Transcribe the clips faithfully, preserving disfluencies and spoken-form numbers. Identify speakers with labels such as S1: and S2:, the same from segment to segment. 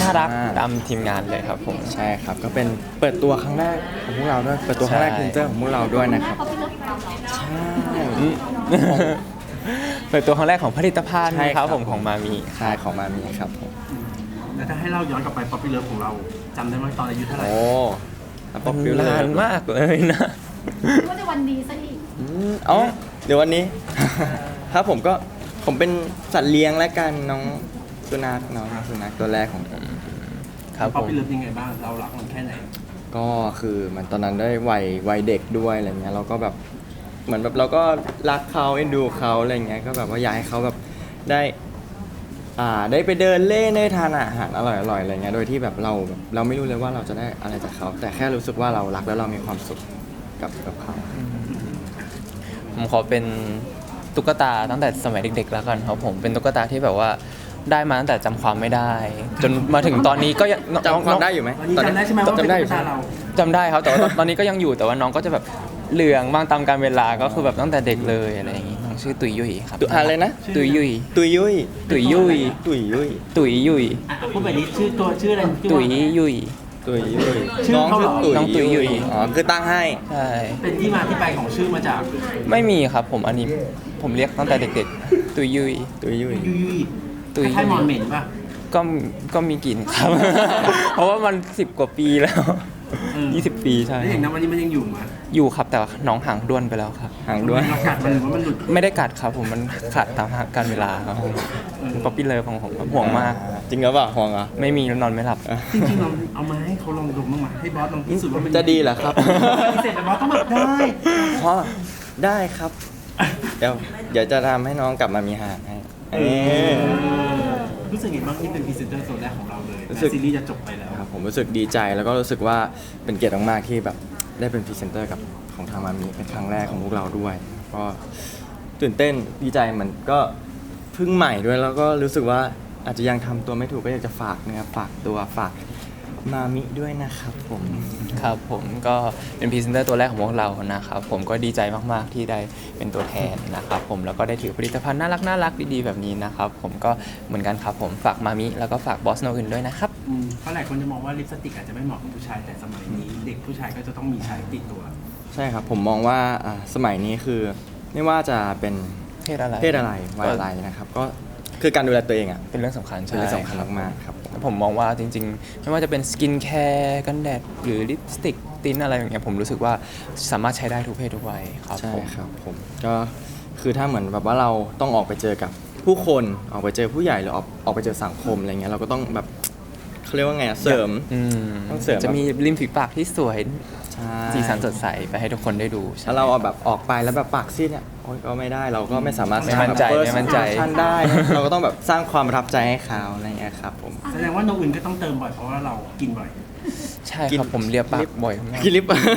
S1: ารัก
S2: อ่า
S1: ตามทีมงานเลยครับผม
S2: ใช่ครับก็เป็นเปิดตัวครั้งแรกของพวกเราด้วยเปิดตัวครั้งแรก
S1: ใช่
S2: พรีเซนเตอร์ของพวกเราด้วยนะครับ
S3: เขาเป็นเรื่องของเราเหรอ
S2: ใช่
S1: อืมเปิดตัวครั้งแรกของผลิตภัณฑ์
S2: ใช่
S1: ค
S2: ครั
S1: รับบ ผมของมามี
S2: ใช่ของมามีครับผม
S4: แล้วถ้าให้เราย้อนกลับไปป๊อปปี้เลิฟของเราจำได้ไหมตอนอายุเท่าไหร่
S2: โอ้แล้วป๊อปปี้เล
S1: นานมากเลยนะ
S3: ว่าในวันดีซะอีก
S2: อืมอ๋อเดี๋ยววันนี้ ครับผมก็ผมเป็นสัตว์เลี้ยงและกันน้องสุนัขน้องสุนัขตัวแรกของผม
S1: ครับ
S4: ป๊อ
S1: ผ
S4: ป
S1: ม
S4: ปี้เลิฟยังไงบ้างเรารักมันแค่ไหน
S2: ก็คือมันตอนนั้นได้วัยวัยเด็กด้วยอะไรเงี้ยเราก็แบบเหมือนแบบเราก็รักเขาเอ็นดูเขาอะไรเงี้ยก็แบบว่าอยากให้เขาแบบได้อ่าได้ไปเดินเล่นได้ทานอาหารอร่อยๆอะไรเงี้ยโดยที่แบบเราแบบเราไม่รู้เลยว่าเราจะได้อะไรจากเขา แต่แค่รู้สึกว่าเรารักแล้วเรามีความสุขกับกับเขา
S1: ผมขอเป็นตุ๊กตาตั้งแต่สมัยเด็กๆแล้วกันครับผมเป็นตุ๊กตาที่แบบว่าได้มาตั้งแต่จำความไม่ได้ จนมาถึงตอนนี้ก็ยังน้อง
S2: จำความได้อยู่ไหม
S4: ตอนนี้จำได้ใช่ไหมว่าเป็น
S2: จำได้อ
S4: ตุ๊
S2: ยู่
S4: ก
S2: ใช่
S4: ตา
S2: ไหม
S4: เรา
S1: จำได้ครับแต่ว่าตอนตอนนี้ก็ยังอยู่แต่ว่าน้องก็จะแบบเหลืองบ้างตามการเวลาก็คือแบบตั้งแต่เด็กเลยอะไรอย่างงี้น้องชื่อตุยยุยครับ
S2: ตุอะไรนะ
S1: ตุยยุย
S2: ตุยยุย
S1: ตุยยุย
S2: ตุยยุย
S1: ตุยยุย
S4: อ่ะพูดแบบนี้ชื่อตัวชื่ออะไรชื่อ
S1: ตุ
S4: ว่าย
S1: ยุย
S2: ตุยยุย
S4: ชื่อ
S2: น้อง
S4: เขาเหร
S2: ชื่
S4: อ
S2: อตุย
S1: น้องตุยยุย
S2: อ๋อคือตั้งให้
S1: ใช่
S4: เป็นที่มาที่ไปของชื่อมาจาก
S1: ไม่มีครับผมอันนี้ผมเรียกตั้งแต่เด็กๆ ตุยยุย
S2: ตุยยุย
S4: ยุยยุย
S1: ตุย
S4: คล้ายๆมอนเหม็นป่ะ
S1: ก็ก็มีกลิ่นครับ เพราะว่ามันสิบกว่าปีแล้ว
S4: เออ
S1: ยี่สิบปีใช่
S4: แล้วอย่างนั้นวันนี้มันยังอยู่ไหม
S1: อยู่ครับแต่ว่าน้องห่างด้วนไปแล้วครับ
S2: ห่างด้วย
S4: เรากัดมันหรือว่ามันหลุด
S1: ไม่ได้กัดครับผมมันขาดตามการเวลาครับผมป๊อปปี้เลิฟของผมครับห่วงมาก
S2: จริงหรือเปล่าห่วงเหรอ
S1: ไม่มีแล้วนอนไม่หลับ
S4: จริงๆเราเอามาให้เขาลองดมบ้างไหมให้บอสลองพิสูจน์ว่ามัน
S2: จะดีเหรอครับ
S4: พิเศษแต่บอสต้องแบบได้
S2: พ่อได้ครับ เดี๋ยวเดี๋ยวจะทำให้น้องกลับมามีหางให้เอ้ย
S4: รู้สึกไงบ้างที่เป็นพรีเซนเตอร์ตัวแรกของเราเลย
S2: รู้สึก
S4: แม้ซีรีส์จะจบไปแล้ว
S2: ครับผมรู้สึกดีใจแล้วก็รู้สึกว่าเป็นเกียรติมากๆที่แบบได้เป็นพรีเซนเตอร์กับของทางมามีเป็นครั้งแรกของพวกเราด้วย ก็ตื่นเต้นดีใจเหมือนก็เพิ่งใหม่ด้วยแล้วก็รู้สึกว่าอาจจะยังทำตัวไม่ถูกก็อยากจะฝากนะครับฝากตัวฝากมามิด้วยนะครับผม
S1: ครับผมก็เป็นพรีเซนเตอร์ตัวแรกของพวกเรานะครับผมก็ดีใจมากๆที่ได้เป็นตัวแทนนะครับผมแล้วก็ได้ถือผลิตภัณฑ์น่ารักน่ารักดีๆแบบนี้นะครับผมก็เหมือนกันครับผมฝากมามิแล้วก็ฝากบอสโนอื่นด้วยนะครับ
S4: อืมเพราะหลายคนจะมองว่าลิปสติกอาจจะไม่เหมาะกับผู้ชายแต่สมัยนี้ เด็กผู้ชายก็จะต้องมีใช้ติดตัว
S2: ใช่ครับผมมองว่าอ่าสมัยนี้คือไม่ว่าจะเป็น
S1: เพศอะไร
S2: เพศอะไรวัยอะไรนะครับ ก็คือการดูแลตัวเองอ่ะ
S1: เป็นเรื่องสำคัญ
S2: เป็น
S1: ใช่
S2: เรื่องสำคัญมากๆครับผม
S1: ผมมองว่าจริงๆ ไม่ว่าจะเป็นสกินแคร์กันแดดหรือลิปสติกติ้นอะไรอย่างเงี้ยผมรู้สึกว่าสามารถใช้ได้ทุกเพศทุกวัยครับ
S2: ใช่
S1: ผม
S2: ครับผมก็คือถ้าเหมือนแบบว่าเราต้องออกไปเจอกับผู้คนออกไปเจอผู้ใหญ่หรือออกออกไปเจอสังคมอะไรเงี้ยเราก็ต้องแบบเขาเรียกว่าไงอะเสริม
S1: อืม
S2: ต้องเสริม
S1: จะมีริมฝีปากที่สวย
S2: ใช่
S1: สีสันสดใสไปให้ทุกคนได้ดูใช่
S2: ถ้าเราเอาแบบออกไปแล้วแบบปากซีดเนี่ยโอ๊ยก็ไม่ได้เราก็ไม่สามารถ
S1: ไม่มั่นใจ
S2: สร้างแบบ
S1: ไม่มั่นใจ
S2: first impression ได้ เราก็ต้องแบบสร้างความประทับใจให้เขาอะไรเงี้ยครับผม
S4: แสดงว่าโนอื่นก็ต้องเติมบ่อยเพราะว่าเรากินบ่อย
S1: ใช่ครับผมเลียปากบ่อยมาก
S2: กินลิป
S4: เออ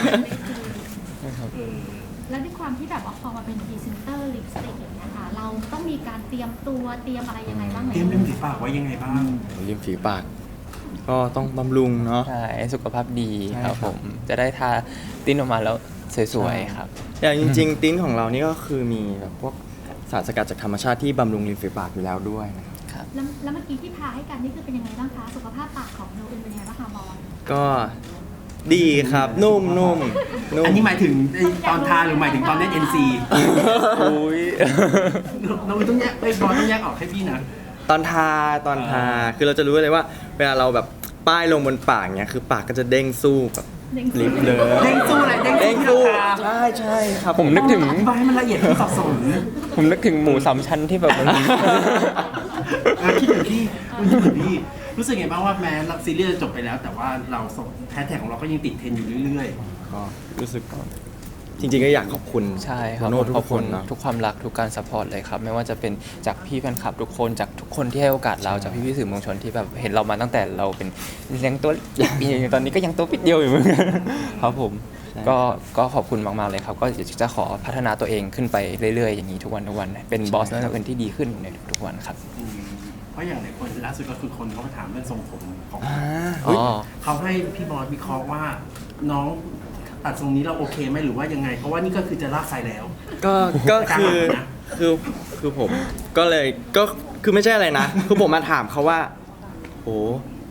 S3: แล้วด้วยความที่แบบว่าพอมาเป็นพรีเซนเตอร์ลิปสติกอย่างเงี้ยค่ะเราต้องมีการเตรียมตัวเตรียมอะไรยังไงบ้างไหม
S4: เตรียมริมฝีปากไว้ยังไงบ้าง
S2: ริมฝีปาก ก็ต้องบำรุงเนาะ
S1: ใช่สุขภาพดี
S2: ใช่
S1: ครับ
S2: ครับ
S1: ผมจะได้ทาติ้นออกมาแล้วสวยๆครับ
S2: อย่างจริง ๆ ติ้นของเรานี่ก็คือมีแบบพวกสารสกัดจากธรรมชาติที่บำรุงริมฝีปากอยู่แล้วด้วยนะครับ
S3: แล้วแล้วเมื่อกี้ที่ทาให้กันนี่คือเป็นยังไงบ้างคะสุขภาพปากของโนอื่นเป็นยังไงบ้างคะบอล
S2: ก็ดีครับนุ่มนุ่มนุ่ม
S4: อันนี้หมายถึงไอ้ตอนทาหรือหมายถึงตอนเล่น เอ็น ซี
S1: อุ้ย
S4: เราต้องแยกไอ้ยบอลต้องแยกออกให้พี่นะ
S2: ตอนทาตอนทาคือเราจะรู้เลยว่า เวลาเราแบบป้ายลงบนปากเนี่ยคือปากก็จะเด้งสู้แบบลิปเลย
S4: เด้งสู้อะไรเด้ง
S2: เด้ง
S4: สู้
S2: สู้
S4: ที่ราคา
S2: ใช่ใช่ครับ
S1: ผมนึกถึง
S4: อธิบายให้มันละเอียดที่สับสน
S1: ผมนึกถึงหมูสามชั้นที่แบบมัน
S4: อ่ะคิดเหมือนพี่คุณคิดเหมือนพี่รู้สึกไงบ้างว่าแม้ซีรีส์จะจบไปแล้ว แต่ว่าเราส่งแฮชแท็กของเราก็ยังติดเทรนด์อยู่เรื่อย
S2: ก็รู้สึกจริงๆก็อยากขอบคุณ
S1: ใช่ครับ
S2: โน้ตทุ
S1: ขอบ
S2: กค
S1: คุณ
S2: นเนาะ
S1: ทุกความรักทุกการซัพพอร์ตเลยครับ ไม่ว่าจะเป็นจากพี่แฟนคลับทุกคนจากทุกคนที่ให้โอกาสเราจากพี่พี่ๆสื่อมวลชนที่แบบเห็นเรามาตั้งแต่เราเป็นยังตัวเล็กอยู่ตอนนี้ก็ยังตัวปิดเดียวอยู่เหมือนกันครับผมก็ก็ขอบคุณมากๆเลยครับ ก็จะขอพัฒนาตัวเองขึ้นไปเรื่อยๆอย่างนี้ทุกวันทุกวันเป็นบอสนักเรียนที่ดีขึ้นในทุกๆวันครับ
S4: ๆอืมเพราะอย่างหลายคนล่าสุดก็คือคนเขามาถามเรื่องทรงผมของ
S2: อ่า
S1: อ๋
S2: เฮ้ย
S1: อ
S4: เขาให้พี่บอสวิเคราะห์ว่าน้องตัดทรงนี้เราโอเคไหมหรือว่ายังไง เพราะว่านี่ก็คือจะลากไซแล้ว
S2: ก็ก็คือ
S4: นะ
S2: คือคือผมก็เลยก็คือไม่ใช่อะไรนะ คือผมมาถามเขาว่าโอ้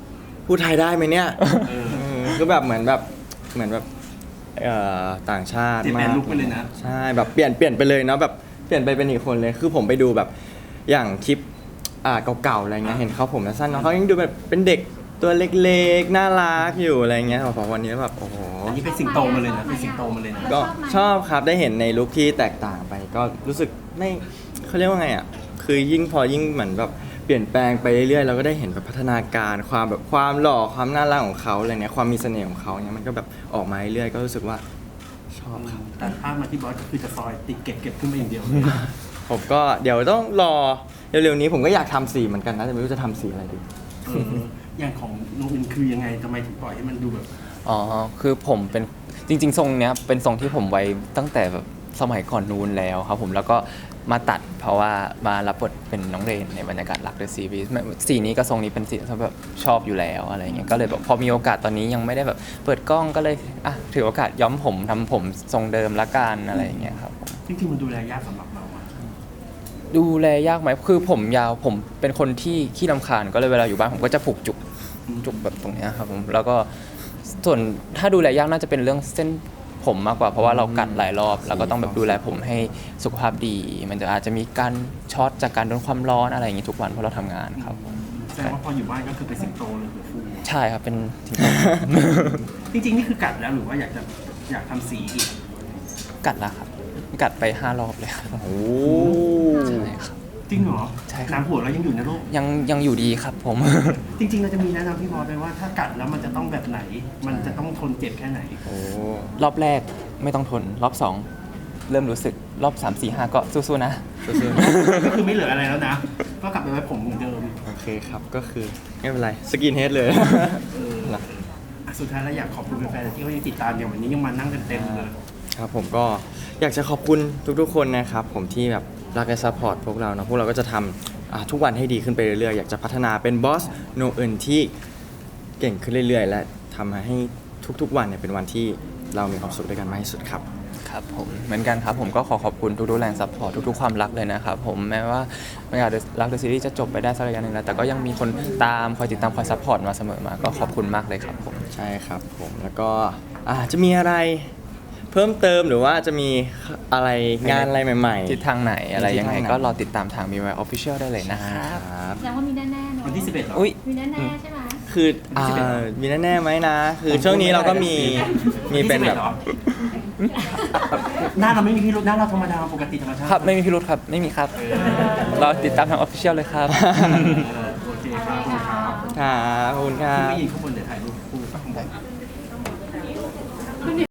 S2: พูดไทยได้ไหมเนี่ย
S4: เออ
S2: เออคือแบบเหมือนแบบเหมือนแบบเอ่อต่างชาติ
S4: เปลี่ยนแปล
S2: มาง ก
S4: ลุคไปเลยนะ
S2: ใช่แบบเปลี่ยนเปลี่ยนไปเลยเนาะแบบเปลี่ยนไปเป็นอีกคนเลยคือผมไปดูแบบอย่างคลิปอ่าเก่าๆอะไรเงี้ยเห็นเขาผมสั้นเนาะเขายังดูแบบเป็นเด็กตัวเล็กๆน่ารักอยู่อะไรเงี้ยพอวันนี้แบบโอ้โห
S4: อันนี้เป็นสิงโตมาเลยนะเป็นสิงโตมาเลยนะ
S2: ก็ชอบครับได้เห็นในลุคที่แตกต่างไป ก็รู้สึกไม่เขาเรียกว่าไงอ่ะคือยิ่งพอยิ่งเหมือนแบบเปลี่ยนแปลงไปเรื่อยๆเราก็ได้เห็นแบบพัฒนาการความแบบความหล่อความน่ารักของเขาอะไรเนี้ยความมีเสน่ห์ของเขาเนี่ยมันก็แบบออกมาเรื่อยๆก็รู้สึกว่าชอบครับ
S4: แต่ภาพมาที่บอสก็คือจะซอยติดเก็บเก็บขึ้นมาอย่างเดียวเลย
S2: ผมก็เดี๋ยวต้องรอเร็วๆนี้ผมก็อยากทำสีเหมือนกันนะแต่ไม่รู้จะทำสีอะไรดี
S4: เอออย่างของน้องอินคือยังไงทำไมถึงปล่อยให้มันดูแบบ
S1: อ๋อ คือผมเป็นจริง ๆ ทรงเนี้ยเป็นทรงที่ผมไว้ตั้งแต่แบบสมัยก่อนนู้นแล้วครับผมแล้วก็มาตัดเพราะว่ามารับบทเป็นน้องเรนในบรรยากาศรักเดอะซีรีส์สีนี้กับทรงนี้เป็นสีที่แบบชอบอยู่แล้วอะไรเงี้ยก็เลยแบบพอมีโอกาสตอนนี้ยังไม่ได้แบบเปิดกล้องก็เลยอ่ะถือโอกาสย้อมผมทำผมทรงเดิมละกันอะไรอย่างเงี้ยครับผม
S4: จริงๆมันดูแลยากสำหรับเราอะ
S1: ดูแลยากไหมคือผมยาวผมเป็นคนที่ขี้รำคาญก็เลยเวลาอยู่บ้านผมก็จะผูกจุกจุกแบบตรงเนี้ยครับผมแล้วก็ส่วนถ้าดูแลยากน่าจะเป็นเรื่องเส้นผมมากกว่าเพราะว่าเรากัดหลายรอบแล้วก็ต้องแบบดูแลผมให้สุขภาพดี มันจะอาจจะมีการช็อตจากการโดนความร้อนอะไรอย่างงี้ทุกวันเพราะเราทำงานครับผม
S4: แสดงว่าพออยู่บ้านก็คือเป็นสิงโตเลยหัวฟู
S1: ใช่ครับเป็น
S4: จริงๆนี่คือกัดแล้วหรือว่าอยากจะอยากทำสีอีก
S1: กัดแล้วครับ กัดไปห้ารอบเลยครับ
S2: โอ้
S1: ใช่ครับ
S4: จริงเหรอ
S1: ใช่ครับ
S4: น้ำหัวเรายังอยู่นะลูก
S1: ยังยังอยู่ดีครับผม
S4: จริงๆเราจะมีแนะนำพี่บอสไปว่าถ้ากัดแล้วมันจะต้องแบบไหน มันจะต้องทนเจ็บแค่ไหน
S2: โอ้
S1: รอบแรกไม่ต้องทนรอบสองเริ่มรู้สึกรอบสามสี่ห้าก็สู้ๆนะ
S2: สู้
S4: ก็คือไม่เหลืออะไรแล้วนะ ก็กลับไปไว้ผมเหมือนเดิม
S2: ๆโอเคครับก็คือไม่เป็นไรสกินเฮดเลย
S4: เอออ่ะสุดท้ายแล้วอยากขอบคุณแฟนๆที่เขายังติดตามอย่างวันนี้ยังมานั่งกันเต็มเลย
S2: ครับผมก็อยากจะขอบคุณทุกๆคนนะครับผมที่แบบรักและซัพพอร์ตพวกเราเนาะพวกเราก็จะทำอ่าทุกวันให้ดีขึ้นไปเรื่อยๆ อยากจะพัฒนาเป็นบอสโนเอินที่เก่งขึ้นเรื่อยๆ และทำให้ทุกๆวันเนี่ยเป็นวันที่เรามีความสุขด้วยกันมากที่สุดครับ
S1: ครับผมเหมือนกันครับผมก็ขอขอบคุณทุกๆแรงซัพพอร์ตทุกๆความรักเลยนะครับผมแม้ว่าไม่อยากรักเดอะซีรีส์จะจบไปได้สักระยะหนึ่งแล้วแต่ก็ยังมีคนตามคอยติดตามคอยซัพพอร์ตมาเสมอมาก็ขอบคุณมากเลยครับผม
S2: ใช่ครับผมแล้วก็อาจจะมีอะไรเพิ่มเติมหรือว่าจะมีอะไรงานอะไรใหม่ๆ
S1: ทิศทางไหนอะไรยังไง
S2: ทิศทางไหน
S1: ก็รอติดตามทาง บี วาย Official ได้เลยนะครับ
S2: ครับ
S3: แสดงว่ามีแน่ๆเนอะ
S4: วันที่สิบเอ็ดเหรอ
S1: อุ้ย
S3: มีแน่ๆใช่ไหม
S2: คืออ่ามีแน่ๆไหมนะ คือช่วงนี้เราก็มีมีเป็นแบบ
S4: วันที่สิเอ็ดเหรอหน้าเราไม่มีพิรุธหน้าเราธรรมดาปกติธรรมชาติ
S1: ครับไม่มีพิรุธครับไม่มีครับรอติดตามทาง Official เลยครับ
S4: เออโอเคครับขอบคุณครับ
S2: ครับขอบคุณครั
S4: ขึ้น
S2: บ
S4: ไปยืนข้างบนเดี๋ยวถ่ายรูปคู่